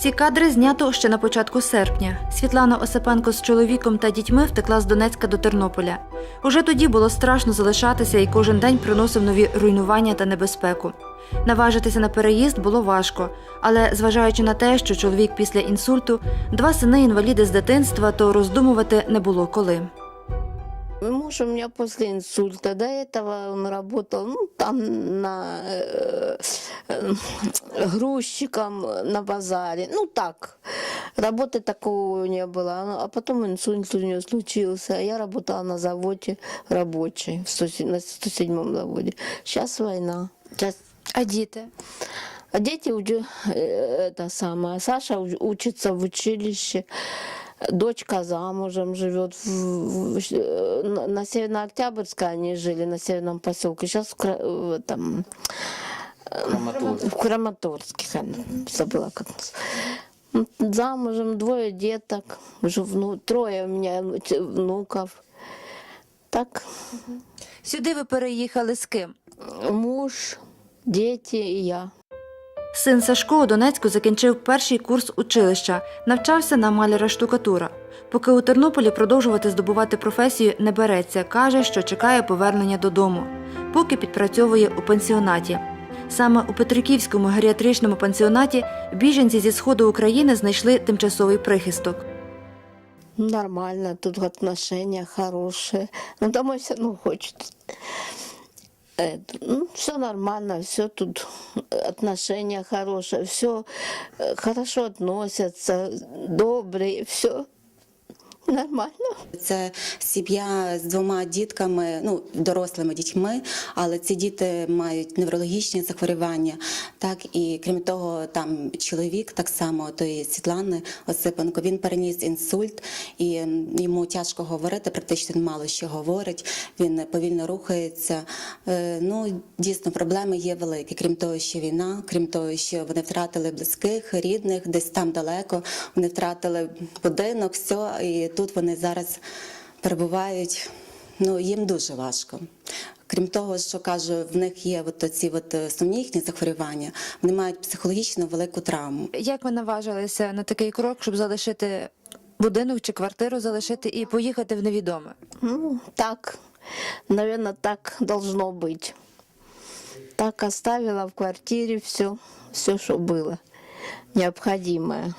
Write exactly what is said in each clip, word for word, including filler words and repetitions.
Ці кадри знято ще на початку серпня. Світлана Осипенко з чоловіком та дітьми втекла з Донецька до Тернополя. Уже тоді було страшно залишатися і кожен день приносив нові руйнування та небезпеку. Наважитися на переїзд було важко, але зважаючи на те, що чоловік після інсульту, два сини-інваліди з дитинства, то роздумувати не було коли. Муж у меня после инсульта, до этого он работал, ну, там на э, э, грузчиком на базаре, ну так, работы такого не было, а потом инсульт у него случился, я работала на заводе рабочей, в сто, на сто седьмом заводе, сейчас война. Сейчас... А діти? А дети, э, это самое, Саша учится в училище. Дочка замужем живет, в, в, на Северно-Октябрьской они жили, на Северном поселке, сейчас в, в этом, Краматорск. в Краматорске, забыла как нас. Замужем, двое деток, уже вну, трое у меня внуков. Так. Сюди ви переїхали з ким? Муж, дети и я. Син Сашко у Донецьку закінчив перший курс училища, навчався на маляра-штукатура. Поки у Тернополі продовжувати здобувати професію не береться, каже, що чекає повернення додому. Поки підпрацьовує у пансіонаті. Саме у Петриківському геріатричному пансіонаті біженці зі сходу України знайшли тимчасовий прихисток. Нормально, тут отношения хорошие, но домой все равно хочется. Это, ну, все нормально, все тут отношения хорошие, все хорошо относятся, добрые, все нормально. Це сім'я з двома дітками, ну, дорослими дітьми, але ці діти мають неврологічні захворювання. Так, і крім того, там чоловік так само, тої Світлани Осипенко, він переніс інсульт, і йому тяжко говорити, практично він мало що говорить, він повільно рухається. Ну, дійсно, проблеми є великі. Крім того, що війна, крім того, що вони втратили близьких, рідних, десь там далеко, вони втратили будинок, все, і тут вони зараз перебувають, ну, їм дуже важко. Крім того, що, кажу, в них є от ці от сумнівні захворювання, вони мають психологічно велику травму. Як ви наважилися на такий крок, щоб залишити будинок чи квартиру, залишити і поїхати в невідоме? Ну, так, наверное, так должно быть. Так оставила в квартире все, все, что было необходимое.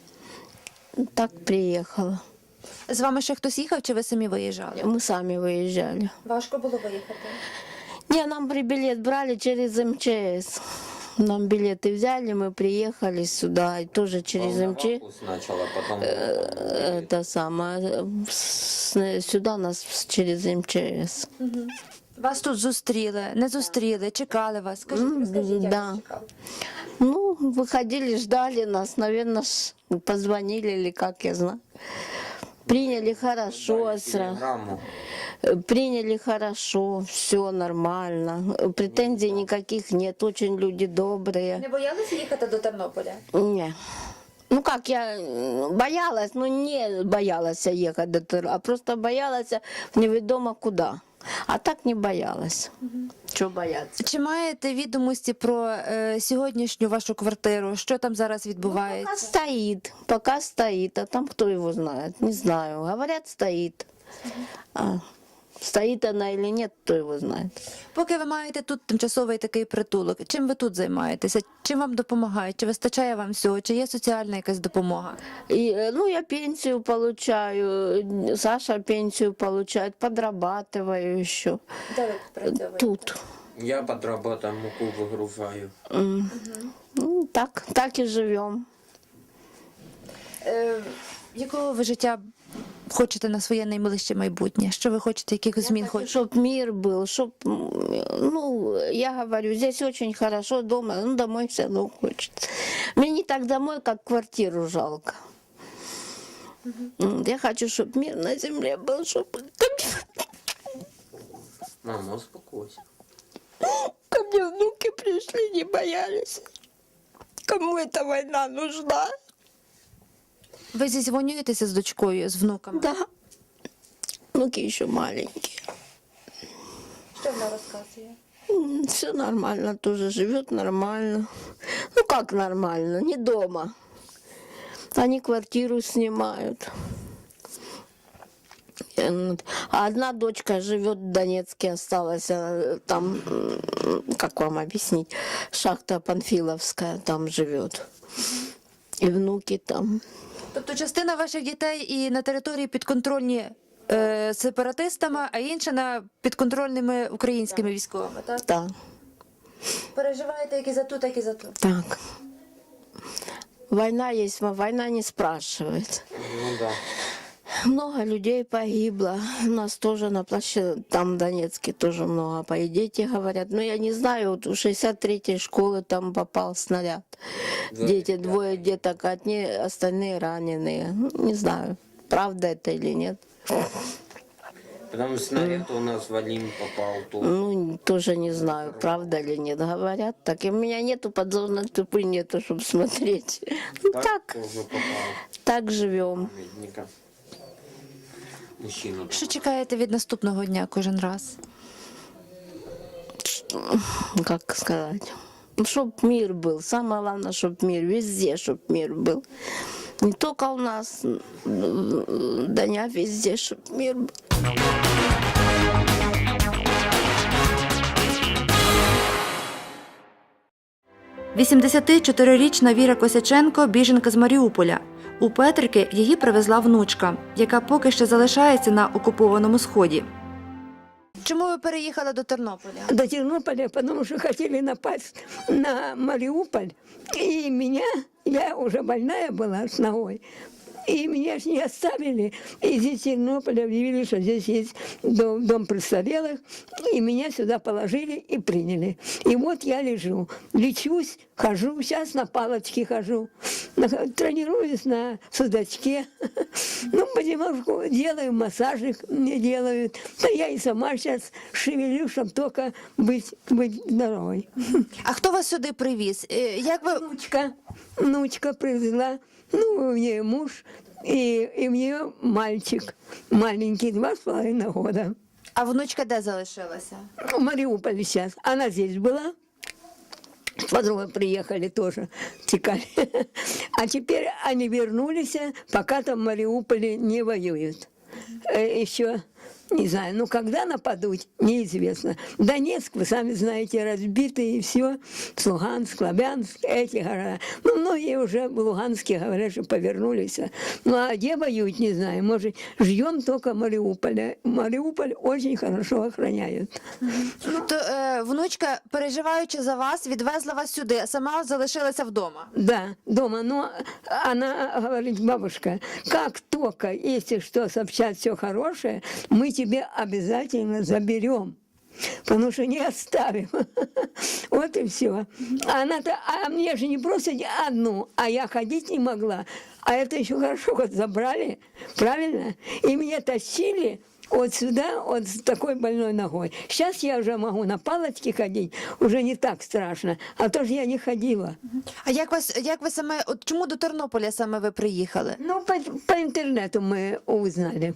Так приехала. З вами ще хтось їхав, чи ви самі виїжджали? Мы сами выезжали. Важко було виїхати? Не, нам при билет брали через эм че эс. Нам билеты взяли, мы приехали сюда, и тоже через эм че эс. Сначала, потом... Это самое, с- сюда нас через эм че эс. Вас тут зустріли, не зустріли, чекали вас? Скажіть, М, розкажіть, як да. вас чекали? Ну, выходили, ждали нас, наверное, позвонили или как, я знаю. Приняли хорошо, сразу. Телеграмму. Приняли хорошо, все нормально. Претензий никаких нет, очень люди добрые. Не боялися їхати до Тернополя? Не. Ну как, я м, боялась, но не боялась ехать до Тыр, а просто боялась неведомо куда. А так не боялась. Чого бояться? Чи маєте відомості про е, сьогоднішню вашу квартиру? Що там зараз Пока відбувається? стоит, пока стоит, а там кто его знает, не знаю. Говорят, стоит. А стоит она или нет, кто его знает. Поки ви маєте тут тимчасовий такий притулок, чим ви тут займаєтеся? Чим вам допомагають? Чи вистачає вам всього? Чи є соціальна якась допомога? И, э, ну, я пенсию получаю, Саша пенсию получает, подрабатываю еще. Де ви працюєте? Тут. Я под работой муку выгружаю. М. Ну, так, так и живем. Е, якого ви життя хочете на своє найближче майбутнє? Що ви хочете, яких змін хочете? Чтоб мир был, чтоб, ну, я говорю, здесь очень хорошо дома, ну, домой все равно хочется. Мне не так домой, как квартиру жалко. М, Я хочу, чтобы мир на земле был, чтобы Мама, успокойся. ко мне внуки пришли, не боялись. Кому эта война нужна? Ви зізвонюєтеся з дочкою, з внуками? Да. Внуки еще маленькие. Що вона розказує? Все нормально, тоже живет нормально. Ну как нормально, не дома. Они квартиру снимают. Э, А одна дочка живет в Донецке, осталась э, там, м, как вам объяснить, шахта Панфиловская там живет. И внуки там. Тобто частина ваших дітей і на території підконтрольні е, сепаратистами, а інша на підконтрольними українськими військовими, так? Да, Переживаєте як і за ту, так і за ту. так. Война есть, но война не спрашивает. Ну да. Много людей погибло. У нас тоже на площади, там в Донецке тоже много. По дети говорят. Но я не знаю, вот у шестьдесят третьей школы там попал снаряд. Дети, двое деток, одни, остальные раненые. Ну, не знаю, правда это или нет. Потом снаряд у нас в Алим попал тут. Ну, тоже не знаю, правда или нет. Говорят так. И у меня нету подзорной трубы, нету, чтобы смотреть. Ну, так, Тоже попал. так живем. Медника. Мужчина. Що чекаєте від наступного дня кожен раз? Как сказать, чтобы мир был. Самое главное, чтобы мир, везде, чтобы мир был. Не только у нас, да не везде, чтобы мир был. вісімдесятичотирирічна Віра Косяченко – біженка з Маріуполя. У Петрики її привезла внучка, яка поки що залишається на окупованому Сході. Чому ви переїхали до Тернополя? До Тернополя, потому что хотели напасть на Мариуполь. И меня, я уже больная была с ногой, и меня ж не оставили. И здесь в Тернополе объявили, что здесь есть дом, дом престарелых, и меня сюда положили и приняли. И вот я лежу, лечусь, хожу, сейчас на палочке хожу, на- тренируюсь на судачке. Ну, понемножку делаю, массажик мне делают. Да я и сама сейчас шевелю, чтобы только быть, быть здоровой. А хто вас сюди привіз? Е, Як ви... Внучка, внучка привезла, ну, у нее муж, и, и у нее мальчик маленький, два с половиной года. А внучка де залишилася? В Мариуполе сейчас. Она здесь была. Подруга приехали тоже, текали. А теперь они вернулись, пока там в Мариуполе не воюют. Э, Еще, не знаю, ну когда нападут, неизвестно. Донецк, вы сами знаете, разбитый и все. Луганск, Лубянск, эти города. Ну, многие уже в Луганске говорят, что повернулись. Ну, а где воюют, не знаю. Может, ждем только Мариуполя. Мариуполь очень хорошо охраняют. То е, внучка, переживаючи за вас, відвезла вас сюди, а сама залишилася вдома. Да, дома. Но она говорит, бабушка, как только, если что, сообщат все хорошее, мы тебе обязательно заберем. Потому что не оставим. Вот и все. Она-то, а мне же не просто одну, а я ходить не могла. А это еще хорошо, вот забрали, правильно? И меня тащили вот сюда, вот с такой больной ногой. Сейчас я уже могу на палочке ходить, уже не так страшно. А то же я не ходила. А як вас, як ви саме, от чому до Тернополя саме ви приїхали? Ну, по, по интернету мы узнали.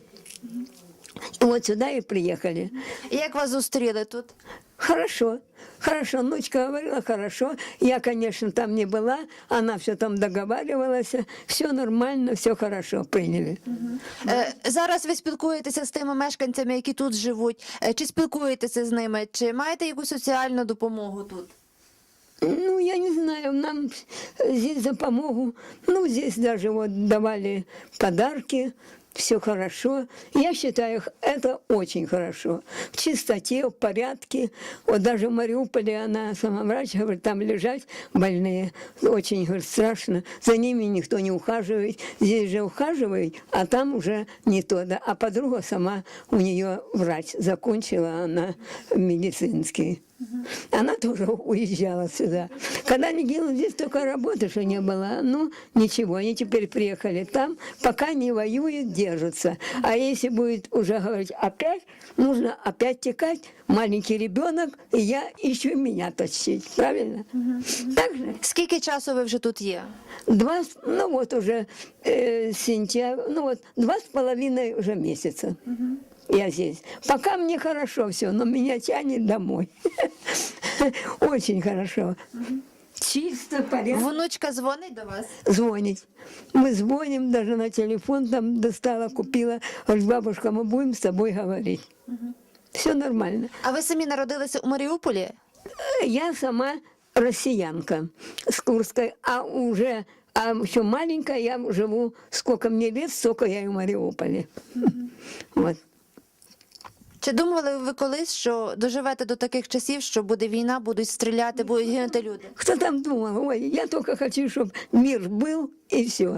И вот сюда и приехали. І як вас зустріли тут? Хорошо, хорошо. Внучка говорила, хорошо. Я, конечно, там не была. Она все там договаривалась. Все нормально, все хорошо, приняли. Е, зараз ви спілкуєтеся з тими мешканцями, які тут живуть. Е, чи спілкуєтеся з ними? Чи маєте якусь соціальну допомогу тут? Ну, я не знаю, нам здесь за помогу. Ну, здесь даже вот давали подарки. Все хорошо. Я считаю, это очень хорошо. В чистоте, в порядке. Вот даже в Мариуполе она, сама врач, говорит, там лежать больные. Очень, говорит, страшно. За ними никто не ухаживает. Здесь же ухаживают, а там уже не то. Да. А подруга сама, у нее врач, закончила она медицинский. Она тоже уезжала сюда. Когда они делали, здесь только работы, что не было. Ну, ничего, они теперь приехали там, пока не воюют, держатся. А если будет уже говорить опять, нужно опять текать, маленький ребенок, и я ищу меня тащить, правильно? Так же? Скільки часу ви вже тут є? Два, с- ну вот уже э, сентябрь, ну вот два с половиной уже месяца. Я здесь. Пока мне хорошо все, но меня тянет домой. Очень хорошо. Чисто, порядок. Внучка дзвонить до вас? Звонит. Мы звоним, даже на телефон там достала, купила. Говорит, бабушка, мы будем с тобой говорить. Все нормально. А ви самі народилися у Маріуполі? Я сама россиянка с Курской, а уже а еще маленькая я живу, сколько мне лет, столько я и в Мариуполе. Вот. Чи думали ви колись, що доживете до таких часів, що буде війна, будуть стріляти, будуть гинути люди? Кто там думал? Ой, я только хочу, чтобы мир был и все.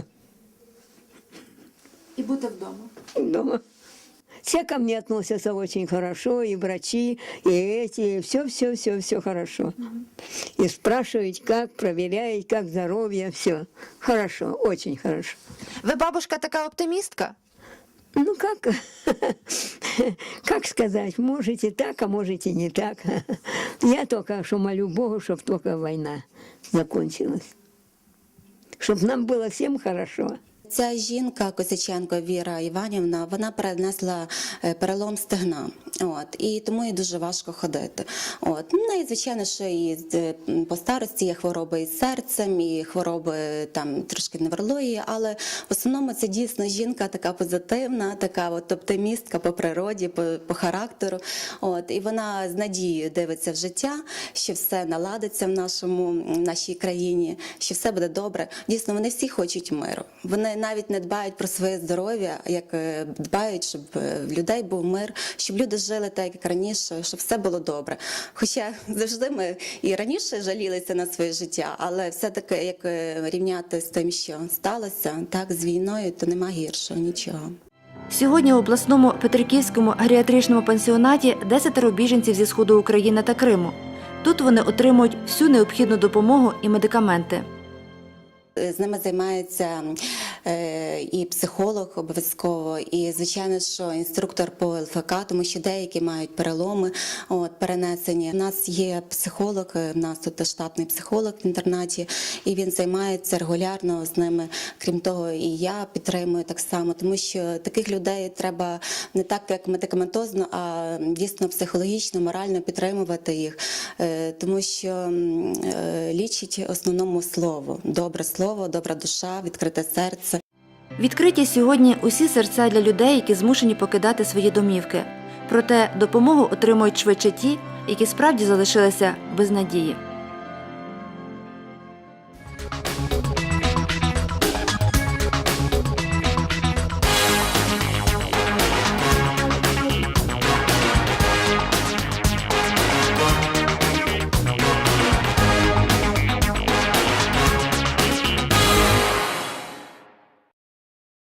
І бути вдома. Дома. Все ко мне относятся очень хорошо, и врачи, и эти, все-все-все-все хорошо. И спрашивают, как, проверяют, как здоровье, все. Хорошо, очень хорошо. Ви, бабушка, така оптимістка? Ну как, как сказать, можете так, а можете не так. Я только что молю Богу, чтобы только война закончилась. Чтобы нам было всем хорошо. Ця жінка, Косяченко Віра Іванівна, вона перенесла е, перелом стегна. От, і тому їй дуже важко ходити. От. Ну, і, звичайно, що і е, по старості є хвороби із серцем, і хвороби там трошки неврології, але в основному це дійсно жінка така позитивна, така от оптимістка по природі, по, по характеру. От, і вона з надією дивиться в життя, що все наладиться в нашому, в нашій країні, що все буде добре. Дійсно, вони всі хочуть миру. Вони навіть не дбають про своє здоров'я, як е, дбають, щоб е, в людей був мир, щоб люди жили так, як раніше, щоб все було добре. Хоча завжди ми і раніше жалілися на своє життя, але все-таки, як е, рівняти з тим, що сталося, так, з війною, то нема гіршого нічого. Сьогодні у обласному Петриківському геріатричному пансіонаті десятеро біженців зі сходу України та Криму. Тут вони отримують всю необхідну допомогу і медикаменти. З ними займається е, і психолог обов'язково, і, звичайно, що інструктор по ел еф ка, тому що деякі мають переломи, от, перенесені. У нас є психолог, у нас тут штатний психолог в інтернаті, і він займається регулярно з ними. Крім того, і я підтримую так само, тому що таких людей треба не так, як медикаментозно, а дійсно психологічно, морально підтримувати їх, е, тому що е, лічить в основному слово, добре слово. Слово, добра душа, відкрите серце. Відкриті сьогодні усі серця для людей, які змушені покидати свої домівки. Проте допомогу отримують швидше ті, які справді залишилися без надії.